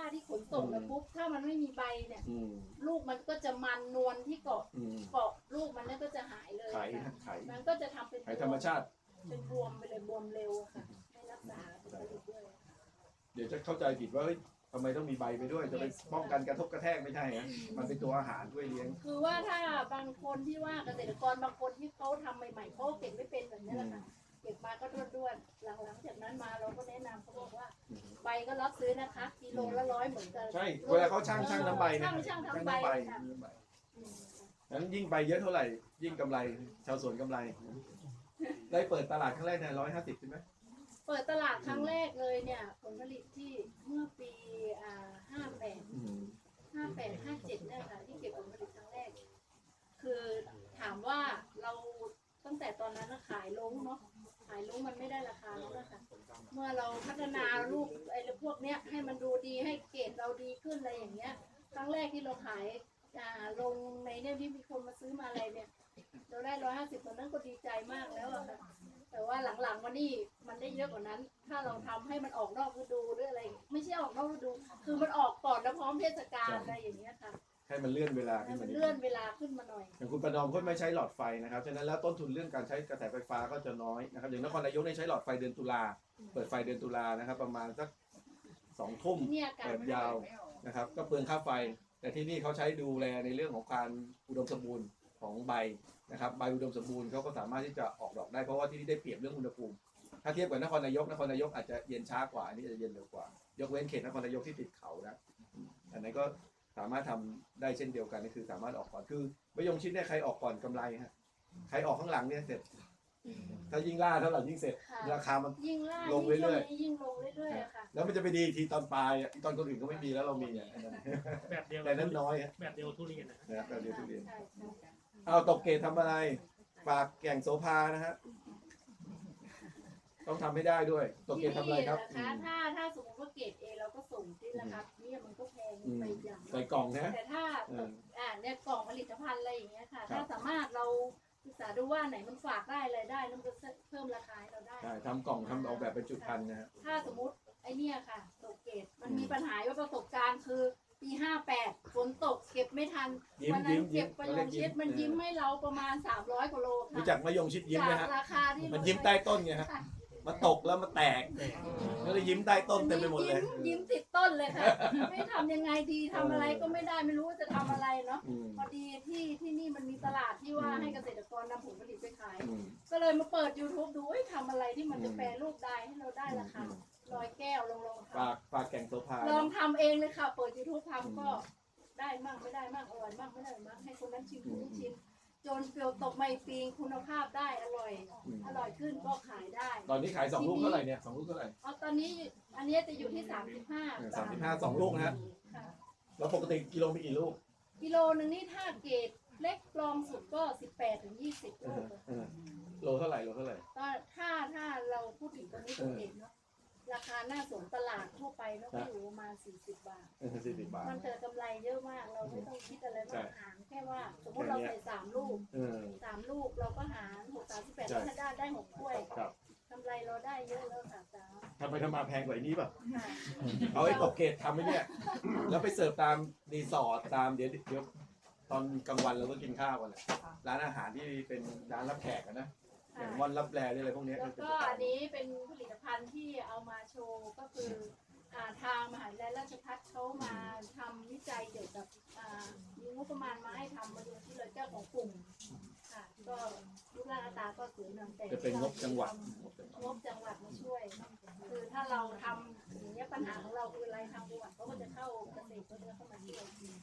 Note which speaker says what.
Speaker 1: ที่ขนส่งแล้วปุ๊บถ้ามันไม่มีใบเนี่ยลูกมันก็จะมันนวลที่เกาะลูกมันเนี่ยก็จะหายเลยมันก็จะทำเป็น
Speaker 2: ธรรมชาติ
Speaker 1: เป็นบวมไปเลยบวมเร็วค่ะไม่รักษาด้วย
Speaker 2: เดี๋ยวจะเข้าใจผิดว่าทำไมต้องมีใบไปด้วยจะไปป้องกันกระทบกระแทกไม่ใช่ฮะมันเป็นตัวอาหารด้วยเลี้ยง
Speaker 1: คือว่าถ้าบางคนที่ว่าเกษตรกรบางคนที่เขาทำใหม่ๆเขาเก็บไม่เป็นแบบนี้แหละค่ะเก็บมาก็ด้วนๆหลังจากนั้นมาเราก็แนะนำเขาบอกว่าใบก็รับซื้อนะคะกิโลละ100เหมือนกัน
Speaker 2: ใช่เวลาเขาช่างน้ำใบเนี่ย
Speaker 1: ช่างทำใบ
Speaker 2: นั้นยิ่งใบเยอะเท่าไหร่ยิ่งกำไรชาวสวนกำไรได้เปิดตลาดครั้งแรกใน150ใช่ไหม
Speaker 1: เปิดตลาดครั้งแรกเลยเนี่ยผลผลิตที่เมื่อปี58 57เนี่ยค่ะที่เก็บผลผลิตครั้งแรกคือถามว่าเราตั้งแต่ตอนนั้นขายลงเนาะขายลงมันไม่ได้ราคาแล้วนะคะเมื่อเราพัฒนาลูกไอ้พวกเนี้ยให้มันดูดีให้เกรดเราดีขึ้นอะไรอย่างเงี้ยครั้งแรกที่เราขายลงในเนี่ยที่มีคนมาซื้อมาอะไรเนี่ยเราได้150ตอนนั้นก็ดีใจมากแล้วอะค่ะแต่ว่าหลังๆมานี่มันได้เยอะกว่านั้น ถ้าเราทำให้มันออกนอกฤดูหรืออะไรไม่ใช่ออกนอกฤดูคือมันออกก่อนแล้วพร้อมเทศกาลอะไรอย่างเงี้ยค่ะ
Speaker 2: ให้มันเลื่อนเวลาขึ้นมา
Speaker 1: เลื่อนเวลาขึ้นมาหน่อย
Speaker 2: อย่างคุณประนอมก็ไม่ใช้หลอดไฟนะครับฉะนั้นแล้วต้นทุนเรื่องการใช้กระแสไฟฟ้าก็จะน้อยนะครับอย่างนครนายกเนี่ยใช้หลอดไฟเดือนตุลาเปิดไฟเดือนตุลานะครับประมาณสัก2 ทุ่มเปิดยาวนะครับก็เปลืองค่าไฟแต่ที่นี่เขาใช้ดูแลในเรื่องของการอุดมสมบูรณ์ของใบนะครับใบอุดมสมบูรณ์เขาก็สามารถที่จะออกดอกได้เพราะว่าที่นี่ได้เปรียบเรื่องอุณหภูมิถ้าเทียบกับนครนายกอาจจะเย็นช้ากว่าอันนี้จะเย็นเร็วกว่ายกเว้นเขตนครนายกที่ติดเขานะอันนั้นก็สามารถทำได้เช่นเดียวกันนี่คือสามารถออกก่อนคือมะยงชิดเนี่ยใครออกก่อนกำไรฮะใครออกข้างหลังเนี่ยเสร็จถ้ายิ่งล่าเท่าไหร่ยิ่งเสร็จราคามันลงเรื่อย
Speaker 1: ๆยิ่งลงเรื่อยๆค่ะ
Speaker 2: แล้วมันจะไปดีทีตอนปลายตอนคนอื่นก็ไม่มีแล้วเรามีเนี่ย
Speaker 3: แบบเดียว
Speaker 2: แต่นั้นน้อย
Speaker 3: แบบเดียวทุเรียน
Speaker 2: นะแบบเดียวทุเรียนเอาตกเกตทำอะไรฝากแก่งโสภานะฮะต้องทำให้ได้ด้วยตกเกตทำอะไรครับ
Speaker 1: ถ้าสมมติว่าเกรด A เราก็ส่งที่นะครับนี่มันก็แพงไปอย่าง
Speaker 2: ใส่กล่องนะ
Speaker 1: แต่ถ้าเนี่ยกล่องผลิตภัณฑ์อะไรอย่างเงี้ยค่ะถ้าสามารถเราศึกษาดูว่าไหนมันฝากได้อะไรได้มันก็เพิ่มราคาให้เราได้
Speaker 2: ทำกล่องทำออกแบบเป็นจุดพันนะฮะ
Speaker 1: ถ้าสมมติไอเนี่ยค่ะตกเกรดมันมีปัญหาว่าประสบการณ์คือปี58ฝนตกเก็บไม่ทันวันนั้นเก็บมะยงชิดมันยิ้มให้เราประมาณ300 กว่าโลค่ะ
Speaker 2: รู้จักมะยงชิดยิ้มไหมฮะ
Speaker 1: ราคาที่
Speaker 2: มันยิ้มใต้ต้นไงฮะมาตกแล้วมาแตกแล้วยิ้มใต้ต้นเต็มไปหมดเลย
Speaker 1: ยิ้มติดต้นเลยค่ะไม่ทำยังไงดีทำอะไรก็ไม่ได้ไม่รู้ว่าจะทำอะไรเนาะพอดีที่นี่มันมีตลาดที่ว่าให้เกษตรกรนำผลผลิตไปขายก็เลยมาเปิด YouTube ดูทำอะไรที่มันจะแปรรูปได้ให้เราได้ราคา100 แก้วลอง
Speaker 2: ฝากแก่งโสภา
Speaker 1: ลองทำเองเลยค่ะเปิด YouTube ทำก็ได้มั่งไม่ได้มั่งอร่อยมั่งไม่ได้มั่งให้คนนั้นชิมคนนี้ชิมจนเปลือกตกไม่ปีงคุณภาพได้อร่อยขึ้นก็ขายได้
Speaker 2: ตอนนี้ขาย2 ลูกเท่าไหร่เนี่ย2 ลูกเท่าไหร่
Speaker 1: ตอนนี้อันนี้จะอยู่ที่35
Speaker 2: 2 ลูกนะฮะแล้วปกติกิโลมีกี่ลูก
Speaker 1: กิโลนึงนี่ถ้าเกรดเล็กรองสุดก็18 ถึง 20 ลูก
Speaker 2: โลเท่าไหร่
Speaker 1: ก็ถ้าเราพูดถึงตรงนี้ตัวเองเนาะราคาหน้าสวนตลาดทั่วไปเนาะก็อยู่ประมาณ40 บาทมันเจอกำไรเยอะมากเราไม่ต้องคิดอะไรมากหารแค่ว่าสมมติเราใส่3 ลูกเราก็หาร6 38ถ้าได้6 ถ้วยกำไรเราได้เยอะแล้วค่ะจ้า
Speaker 2: ทำไปทำมาแพงกว่านี้ป่ะเอาไอ้ตกเกตทำไว้เนี่ยแล้วไปเสิร์ฟตามรีสอร์ทตามเดี๋ยวตอนกลางวันเราก็กินข้าวกันแหละร้านอาหารที่เป็นร้านรับแขกนะอย่างวันรับแลอะไรพวกนี้
Speaker 1: แล้วก็อันนี้เป็นผลิตภัณฑ์ที่เอามาโชว์ก็คือทางมหาวิทยาลัยราชภัฏเขามาทำวิจัยเกี่ยวกับมีงบประมาณมาให้ทำมาดูที่เลยเจ้าของกลุ่มค่ะก็รูปร่างหน้าตาก็สวยงามแต่
Speaker 2: จะเป็นงบจังหวัด
Speaker 1: มาช่วยคือถ้าเราทำอย่างนี้ปัญหาของเราคืออะไรทางจังหวัดเขาก็จะเข้าเกษตรเข้ามาช่วย